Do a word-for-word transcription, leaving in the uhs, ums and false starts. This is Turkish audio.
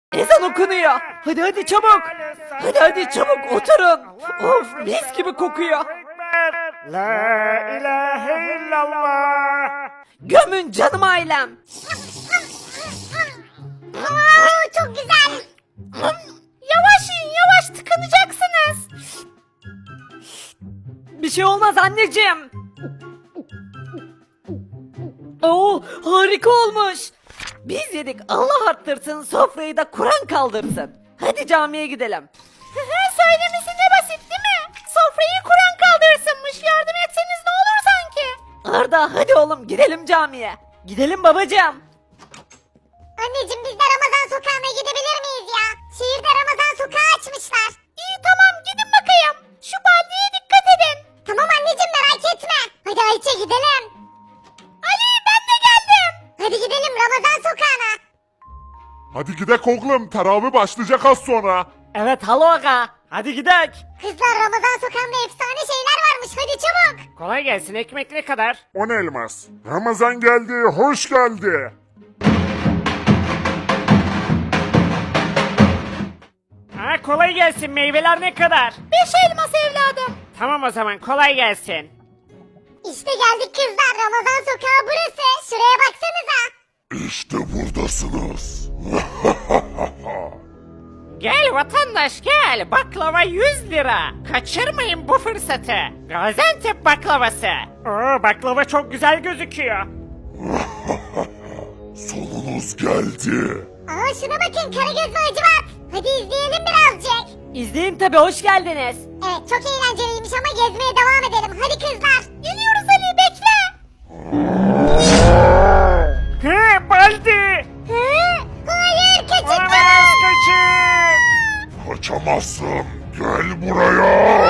Ezan okunuyor. Hadi hadi çabuk. Hadi hadi çabuk oturun. Of mis gibi kokuyor. La ilahe illallah. Gömün canım ailem. Oo, çok güzel. Yavaş yiyin yavaş tıkanacaksınız. Bir şey olmaz anneciğim. Oo harika olmuş. Biz yedik Allah arttırsın sofrayı da Kur'an kaldırsın. Hadi camiye gidelim. Söylemesi ne basit değil mi? Sofrayı Kur'an kaldırsınmış. Yardım etseniz ne olur sanki? Arda hadi oğlum gidelim camiye. Gidelim babacığım. Anneciğim biz de Ramazan sokağına gidebilir miyiz ya? Şehirde Ramazan sokağı açmışlar. İyi tamam gidin bakayım. Şu baldiye dikkat edin. Tamam anneciğim merak etme. Hadi Ayça gidelim. Ali ben de geldim. Hadi gidelim Ramazan sokağına. Hadi gidek oğlum, teravih başlayacak az sonra. Evet halo aga. Hadi gidelim. Kızlar Ramazan sokağında efsane şeyler varmış hadi çabuk. Kolay gelsin, ekmek ne kadar? On elmas. Ramazan geldi, hoş geldi. Ha, kolay gelsin, meyveler ne kadar? Beş elmas evladım. Tamam o zaman, kolay gelsin. İşte geldik kızlar Ramazan sokağı burası. Şuraya baksanıza. İşte buradasınız. Gel vatandaş gel, baklava yüz lira. Kaçırmayın bu fırsatı. Gaziantep baklavası. Oo, baklava çok güzel gözüküyor. Sonunuz geldi. Aa şuna bakın Karagöz ve Hacivat. Hadi izleyelim birazcık. İzleyin tabi hoş geldiniz. Evet çok eğlenceliymiş ama gezmeye devam edelim. Hadi kızlar. Geliyoruz Ali bekle. He, Baldi. Hı? Hayır kaçın Olamaz, kaçın. Kaçamazsın. Gel buraya.